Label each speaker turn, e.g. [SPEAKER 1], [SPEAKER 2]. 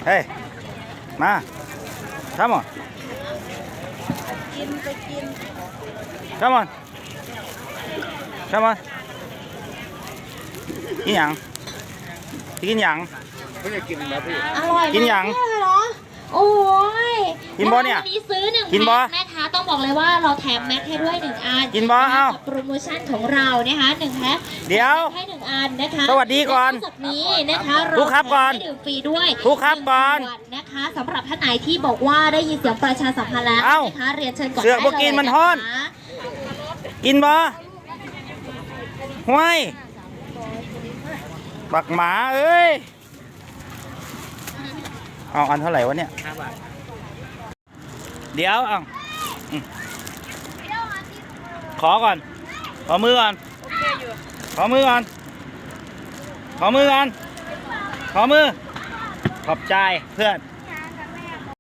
[SPEAKER 1] เฮ้ยมาcome on
[SPEAKER 2] กินไปกิน
[SPEAKER 1] come on come on กินหยังกินหยังไม่ได้กินแล้วพี่อร่อยกินหยัง
[SPEAKER 2] โอ้ย
[SPEAKER 1] กินบอเนี่ย
[SPEAKER 2] วันนี้ซื้อ1
[SPEAKER 1] กินบอ
[SPEAKER 2] แม็กนะคะต้องบอกเลยว่าเราแถมแม็กให้ด้วย1 อัน
[SPEAKER 1] กินบอเอ้า
[SPEAKER 2] โปรโมชั่นของเรานะคะ1 แพ็ค
[SPEAKER 1] เดี๋ยว
[SPEAKER 2] ให้1 อันนะคะ
[SPEAKER 1] สวัสดีก่อน
[SPEAKER 2] จากนี้นะคะ
[SPEAKER 1] ทุกครับก่อน
[SPEAKER 2] ดื่มฟรีด้วย
[SPEAKER 1] ทุกครับก่อน
[SPEAKER 2] นะคะสำหรับท่านไหนที่บอกว่าได้ยินเสียงประชาสัมพันธ์แล้วนะคะเรียนเชิญก่อน
[SPEAKER 1] เสือกพวกกินมันฮ้อนกินบอห้วยบักหมาเอ้ยเอาอันเท่าไหร่วะเนี่ย5 บาทเดี๋ยวเอาขอก่อนขอมือก่อนขอมือก่อนขอมือก่อนขอมือขอบใจเพื่อน